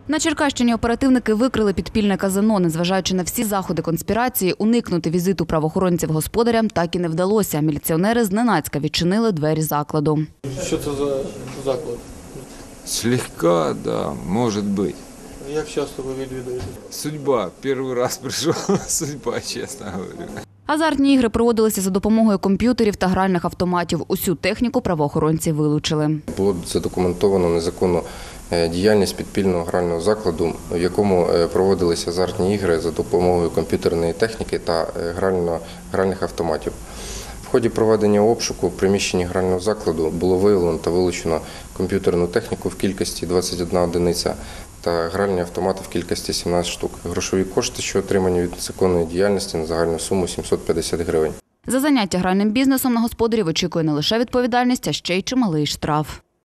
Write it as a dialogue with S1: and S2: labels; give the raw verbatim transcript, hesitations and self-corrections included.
S1: На Черкащині оперативники викрили підпільне казино. Незважаючи на всі заходи конспірації, уникнути візиту правоохоронців господарям так і не вдалося. Міліціонери зненацька відчинили двері закладу.
S2: Що це за заклад?
S3: Слегка, да, может быть.
S2: Як часто ви відвідуєте?
S3: Судьба. Первый раз пришел, судьба, честно говорю.
S1: Азартні ігри проводилися за допомогою комп'ютерів та гральних автоматів. Усю техніку правоохоронці вилучили.
S4: Було задокументовано незаконну діяльність підпільного грального закладу, в якому проводилися азартні ігри за допомогою комп'ютерної техніки та гральних автоматів. В ході проведення обшуку в приміщенні грального закладу було виявлено та вилучено комп'ютерну техніку в кількості двадцять одна одиниця та гральні автомати в кількості сімнадцять штук. Грошові кошти, що отримані від незаконної діяльності, на загальну суму сімсот п'ятдесят гривень.
S1: За заняття гральним бізнесом на господарів очікує не лише відповідальність, а ще й чималий штраф.